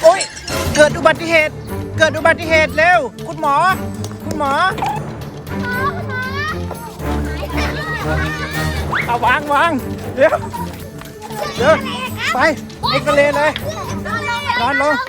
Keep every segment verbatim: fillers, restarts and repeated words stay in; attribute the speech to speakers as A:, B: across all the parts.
A: อ้ยเกิดอุบัติเหตุเกิดอุบัติเหตุเร็วคุณหมอคุณหมอเอาวางวางเดี๋ยวเดี๋ยวไปเอ็กซเรย์เลยนอนลง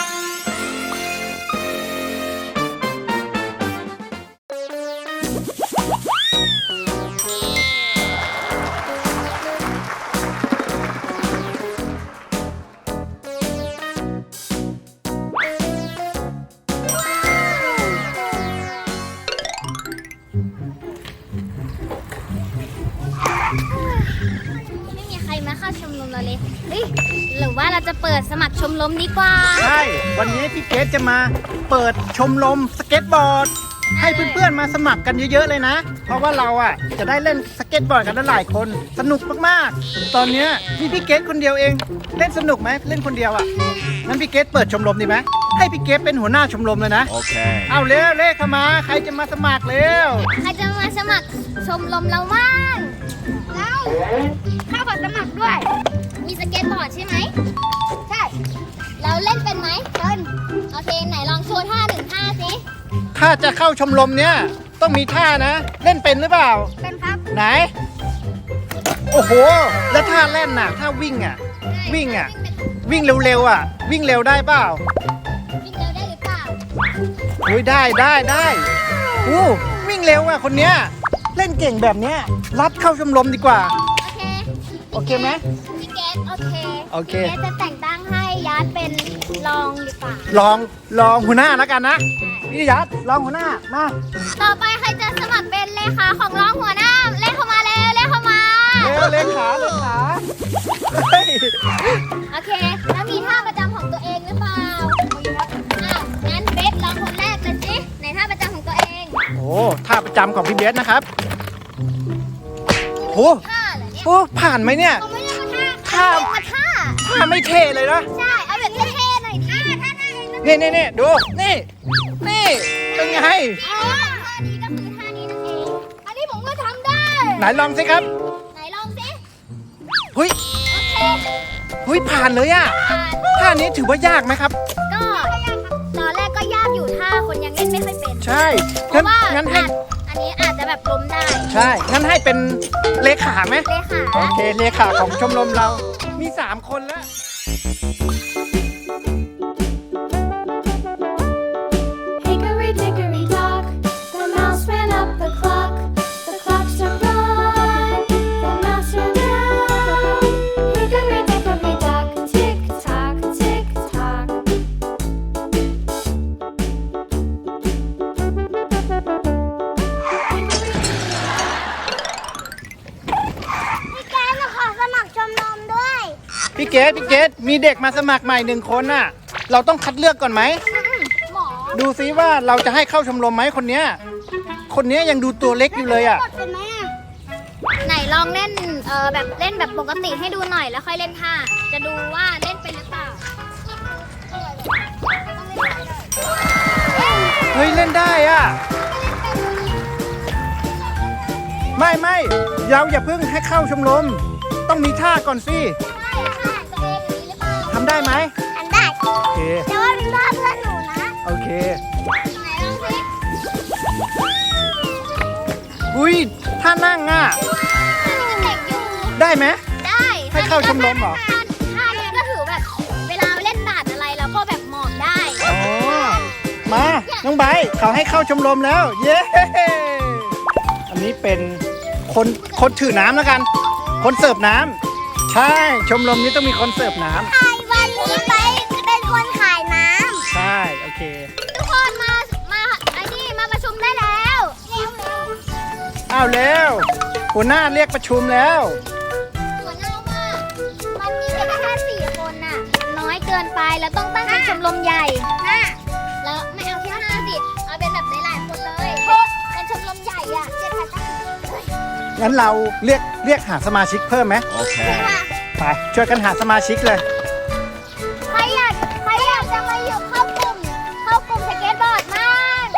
B: ไม่มีใครมาเข้าชมรมเราเลยเฮ้ยหรือว่าเราจะเปิดสมัครชมรมดีกว่า
A: ใช่วันนี้พี่เกสจะมาเปิดชมรมสเก็ตบอร์ดให้เพื่อนๆมาสมัครกันเยอะๆเลยนะเพราะว่าเราอ่ะจะได้เล่นสเก็ตบอร์ดกันหลายคนสนุกมากๆตอนนี้มีพี่เกสคนเดียวเองเล่นสนุกไหมเล่นคนเดียวอ่ะงั้นพี่เกสเปิดชมรมดีไหมให้พี่เกสเป็นหัวหน้าชมรมเลยนะโอเคเอาเร็วเลขเข้ามาใครจะมาสมัครเร็ว
B: ใครจะมาสมัครชมรมเราบ้างเราเข้าบัตรสมัครด้วยมีสเก็ตบอร์ดใช่ไหมใช่เราเล่นเป็นไหมเล่นโอเคไหนลองโชว์ท่าหนึ่งท่าสิ
A: ถ้าจะเข้าชมรมเนี้ยต้องมีท่านะเล่นเป็นหรือเปล่า
B: เป็นครับ
A: ไหนโอ้โหแล้วท่าเล่นน่ะท่าวิ่งอ่ะวิ่งอ่ะวิ่งเร็วๆอ่ะวิ่งเร็วได้เปล่า
B: วิ่งเร็วได้หรือเปล่า
A: โอ้ยได้ได้ได้อู้วิ่งเร็วอ่ะคนเนี้ยเล่นเก่งแบบเนี้ยรับเข้าชมรมดีกว่า
B: โอเค
A: โอเคไหม
B: พี่เกสโอเค
A: โอเค
B: พี่เกสจะแต่งตั้งให้ยัดเป็นรองดีกว่า
A: ลองลองหัวหน้าแล้วกันนะพี่ยัดลองหัวหน้ามา
B: ต่อไปใครจะสมัครเป็นเลขาของรองหัวหน้าเลขเข้ามาเร็วเลขเข้ามา
A: เร็วเลขาเลขา
B: โอเคแล้วมีท่าประจำของตัวเองหรือเปล่าอ้าวงั้นเบสลองคนแรกเลยสิในท่าประจำของตัวเอง
A: โอ้ท่าประจำของพี่เบสนะครับโอ้โหผ่านไหมเนี่ย
B: ท่าท่า
A: ท่าไม่เท่เลยนะ
B: ใช่เอาแบบเท่ๆหน่อยท่าท่าท่า
A: นี่นี่นี่ดูนี่นี่เป็นไง
B: ท่านี้ก็คือท่านี้นั่นเองอันนี้ผมก็ทำได้
A: ไหนลองสิครับ
B: ไหนลองสิ
A: เฮ้ย
B: โอเค
A: เฮ้ยผ่านเลยอ่ะท่านี้ถือว่ายากไหมครับ
B: ก็ตอนแรกก็ยากอยู่ท่าคนยังเล่นไม่ค่อยเป็น
A: ใช่
B: เพราะว่า
A: งั้นให้
B: อันนี้อาจจะแบบล้มได้
A: ใช่งั้นให้เป็นเลขาไหม
B: เลขา
A: โอเคเลขาของชมรมเรามีสามคนแล้วพี่เกดพี่เกดมีเด็กมาสมัครใหม่หนึ่งคนน่ะเราต้องคัดเลือกก่อนไหมดูซิว่าเราจะให้เข้าชมรมไหมคนเนี้ยคนเนี้ยยังดูตัวเล็กอยู่เลยอ่ะ
B: ไหนลองเล่นเออแบบเล่นแบบปกติให้ดูหน่อยแล้วค่อยเล่นท่าจะดูว่าเล่นเป็นหรือเปล่า
A: เฮ้ยเล่นได้อ่ะไม่ไม่เราอย่าเพิ่งให้เข้าชมรมต้องมีท่าก่อนสิทำได้ไหม
B: ทำได้
A: โอเค
B: แต่ว่าเป็นท่าเพื่อนหนูนะ
A: โอเค
B: ไหนลองสิ
A: อุ้ยท่านั่งอ่ะได้ไหม
B: ได้
A: ให้เข้าชมรมเหรอ
B: ท่านี้ก็ถือแบบเวลาเล่นบาสอะไรแล้วก็แบบหมอบได้
A: อ๋อมาน้องไบร์ทเขาให้เข้าชมรมแล้วเย้อันนี้เป็นคนคนถือน้ำแล้วกันคนเสิร์ฟน้ำใช่ชมรมนี้ต้องมีคนเสิร์ฟน้ำ
B: ใช่วันนี้ไปเป็นคนขายน้
A: ำใช่โอเค
B: ทุกคนมามาไอ้นี่มาประชุมได้แล้ว
A: อ้าวเร็วหัวหน้าเรียกประชุมแล้ว
B: หัวหน้าว่ามันมีแค่แค่สี่คนน่ะน้อยเกินไปแล้วต้องตั้งเป็นชมรมใหญ่แล้วไม่เอาแค่ห้าสิเอาเป็นแบบหลายๆคนเลยเป็นชมรมใหญ่อ่ะเจ็ดพัน
A: งั้นเราเรียกเรียกหาสมาชิกเพิ่มไหมโอเคไปช่วยกันหาสมาชิกเลย
B: ใครอยากใครอยากจะมาอยู่เข้ากลุ่มเข้ากลุ่มสเก็ตบอร์ดมาก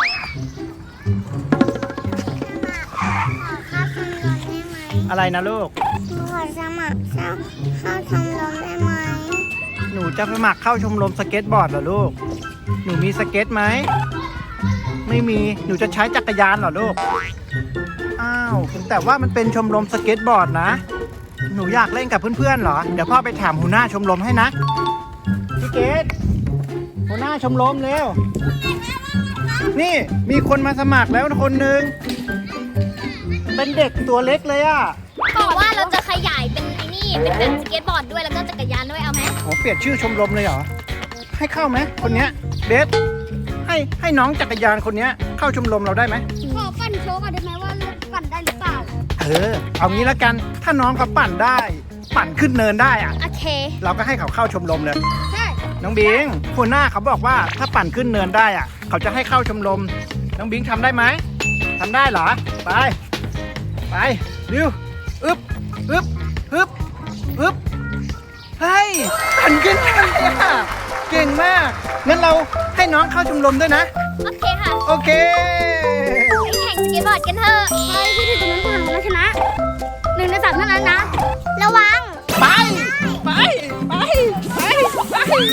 B: ขอเข้าชมรมได้ไหม
A: อะไรนะลูก
B: ขอสมัครเข้าเข้าชมรมได้ไหม
A: หนูนูจะสมัครเข้าชมรมสเก็ตบอร์ดเหรอลูก หนูมีสเก็ตไหม ไม่มี หนูจะใช้จักรยานเหรอลูก อ้าว แต่ว่ามันเป็นชมรมสเก็ตบอร์ดนะ หนูอยากเล่นกับเพื่อนๆเหรอ เดี๋ยวพ่อไปถามหัวหน้าชมรมให้นะ พี่เกดหัวหน้าชมรมเร็ว นี่มีคนมาสมัครแล้วคนหนึ่ง เป็นเด็กตัวเล็กเลยอะ
B: บอกว่าเราจะขยายเป็นไอ้นี่ เป็นแบบสเก็ตบอร์ดด้วยแล้วก็จักรยานด้วยเอาไหม
A: โอ้เปลี่ยนชื่อชมรมเลยเหรอ ให้เข้าไหมคนเนี้ยเบสให้ให้น้องจักรยานคนเนี้ยเข้าชมรมเราได้ไหม
B: ขอปั่นโชว์ก่อนได้ไหมว่าลูกปั่นได้หรือเปล่า
A: เออ เอางี้แล้วกัน ถ้าน้องเขาปั่นได้ ปั่นขึ้นเนินได้อะ
B: โอเค
A: เราก็ให้เขาเข้าชมรมเลย
B: ใช่
A: น้องบิงหัวหน้าเขาบอกว่าถ้าปั่นขึ้นเนินได้อะเขาจะให้เข้าชมรม น้องบิงทำได้ไหมทำได้เหรอ ไป ไปเร็วอึ๊บอึ๊บอึ๊บอึ๊บเฮ้ยปั่นขึ้นเนินเลยอะเก่งมาก งั้นเราให้น้องเข้าชมรมด้วยนะ
B: โอเคค่ะ
A: โอเค
B: ไปแข่งสเก็ตบอร์ดกันเถอะไปที่ถึงตรงนั้นผ่านแล้วชนะหนึ่งในสามเท่านั้นนะ ระวัง
A: ไป ไป ไป ไป ไป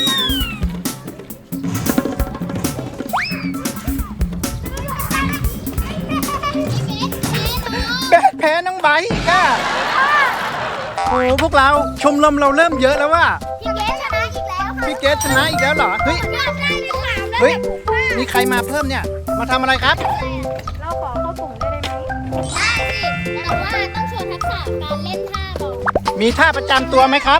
A: แพ้แพ้น้องไบร์ทอีกอ่ะโอ้พวกเราชมรมเราเริ่มเยอะแล้วว่ะ
B: พี่เกสชนะอีกแล้วค่ะ
A: พี่เกสชนะอีกแล้วเหรอ เฮ้ย
B: ได้ได้ที่สามแล้ว
A: เฮ้ย มีใครมาเพิ่มเนี่ย มาทำอะไรครับ
B: เราขอเข้ากลุ่มได้ไหมได้สิแต่ว่าต้องโชว์ทักษะการเล่นท่าก่อน
A: มีท่าประจำตัวไหมครับ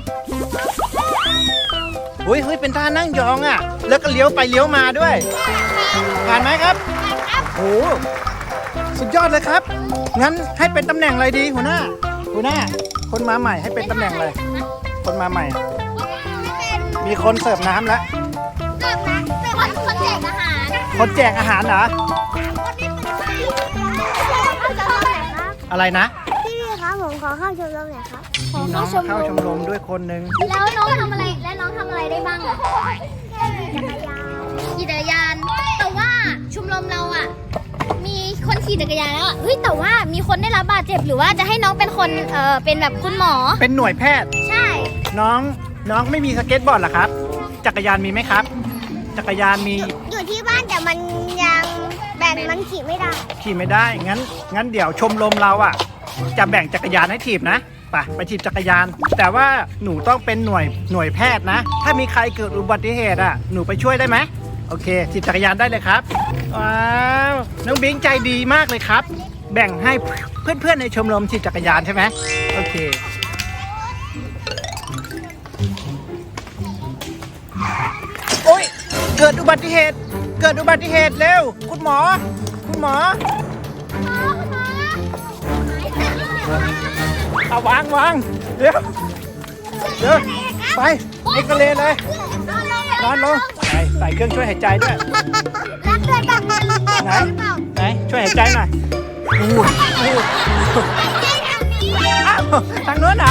A: เฮ้ยเฮ้ยเป็นท่านั่งยองอ่ะ แล้วก็เลี้ยวไปเลี้ยวมาด้วย ผ่านไหมครับ
B: ครับ
A: โอ้สุดยอดเลยครับ งั้นให้เป็นตำแหน่งอะไรดีหัวหน้า หัวหน้า คนมาใหม่ให้เป็นตำแหน่งอะไร คนมาใหม่ มีคนเสิร์ฟน้ำแล้ว
B: เสิร์ฟนะเสิร์ฟคนคนแจกอาหาร
A: คนแจกอาหารเหรอ
B: คนนี้เป็นใครเอาจะเท่าไหร่ครับ
A: อะไรนะ
B: พี่ครับผมขอเข้าชมรมหน่อยครับ
A: มีน้องเข้าชมรมด้วยคนหนึ่ง
B: แล้วน้องทำอะไร และน้องทำอะไรได้บ้างอะขี่จักรยาน แต่ว่าชมรมเราอะมีคนขี่จักรยานแล้วอะเฮ้ยแต่ว่ามีคนได้รับบาดเจ็บหรือว่าจะให้น้องเป็นคนเออเป็นแบบคุณหมอ
A: เป็นหน่วยแพทย์
B: ใช่
A: น้องน้องไม่มีสเก็ตบอร์ดเหรอครับ จักรยานมีไหมครับ จักรยานมี
B: อยู่ที่บ้านแต่มันยังแบ่งมันขี่ไม่ได้
A: ขี่ไม่ได้ งั้น งั้นเดี๋ยวชมรมเราอ่ะ จะแบ่งจักรยานให้ถีบนะไปไปถีบจักรยาน แต่ว่าหนูต้องเป็นหน่วยหน่วยแพทย์นะ ถ้ามีใครเกิดอุบัติเหตุอ่ะ หนูไปช่วยได้ไหมโอเคถีบจักรยานได้เลยครับ ว้าว น้องบิงใจดีมากเลยครับ แบ่งให้เพื่อนๆในชมรมถีบจักรยานใช่ไหมโอเค โอ๊ย เกิดอุบัติเหตุ เกิดอุบัติเหตุเร็ว คุณหมอ คุณหมอ เอาวางวางเดี๋ยวเดี๋ยวไปเอ็กซเรย์เลยนอนลงใส่ใส่เครื่องช่วยหายใจด้วย
B: รักเพื่อนบ้างไหม
A: ไหนไหนช่วยหายใจหน่อยอู้อู้อ้าวทางโน้นเหรอ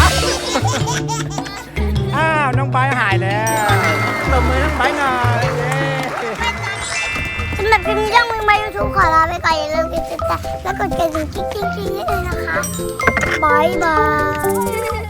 A: อ้าวน้องไบร์ทหายแล้วตบมือน้องไบร์ทหน่อยเย้
B: สำหรับคลิปนี้ต้องมีมายูทูบขอลาไปก่อนอย่าลืมกดติดตามและกดกระดิ่งกิ๊งๆๆให้ด้วยนะคะบายบาย